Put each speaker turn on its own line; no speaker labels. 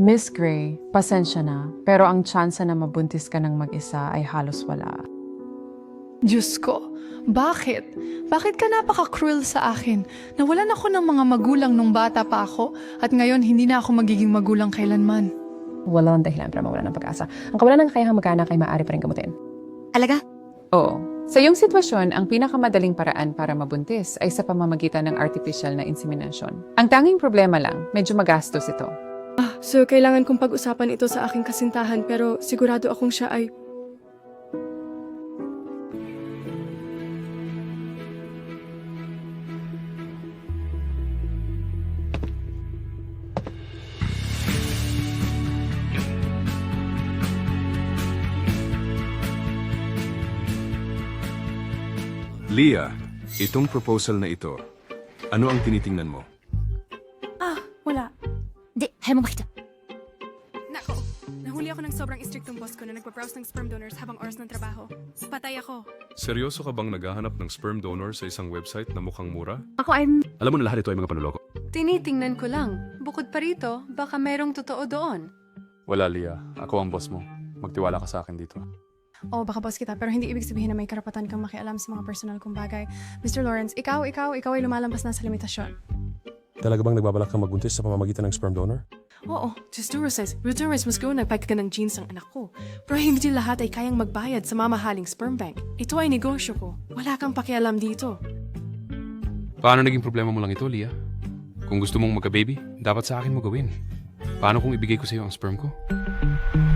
Miss Gray, pasensya na, pero ang tsansa na mabuntis ka ng mag-isa ay halos wala.
Diyos ko, bakit? Bakit ka napaka-cruel sa akin? Nawalan ako ng mga magulang nung bata pa ako at ngayon hindi na ako magiging magulang kailanman.
Walang dahilan para mawala ng pag-asa. Ang kawalan ng kakayahang mag-anak ay maaari pa rin gamutin.
Alaga?
Oo. Sa iyong sitwasyon, ang pinakamadaling paraan para mabuntis ay sa pamamagitan ng artificial na insemination. Ang tanging problema lang, medyo magastos ito.
So, kailangan kong pag-usapan ito sa aking kasintahan pero sigurado akong siya ay...
Leah, itong proposal na ito, ano ang tinitingnan mo?
Wala.
Di, ayaw mo makita.
Nako, nahuli ako ng sobrang istriktong boss ko na nagpa-browse ng sperm donors habang oras ng trabaho. Patay ako.
Seryoso ka bang naghahanap ng sperm donor sa isang website na mukhang mura?
Ako ay...
Alam mo na lahat ito ay mga panuloko.
Tinitingnan ko lang. Bukod pa rito, baka merong totoo doon.
Wala, Leah. Ako ang boss mo. Magtiwala ka sa akin dito.
Oo, baka boss kita, pero hindi ibig sabihin na may karapatan kang makialam sa mga personal kong bagay. Mr. Lawrence, ikaw ay lumalampas na sa limitasyon.
Talaga bang nagbabalak kang magbuntis sa pamamagitan ng sperm donor?
Oo, just do says, Ruturis mas go nagpag ka ng jeans ang anak ko. Pero hindi lahat ay kayang magbayad sa mamahaling sperm bank. Ito ay negosyo ko. Wala kang pakialam dito.
Paano naging problema mo lang ito, Leah? Kung gusto mong magka-baby, dapat sa akin mo gawin. Paano kung ibigay ko sa iyo ang sperm ko?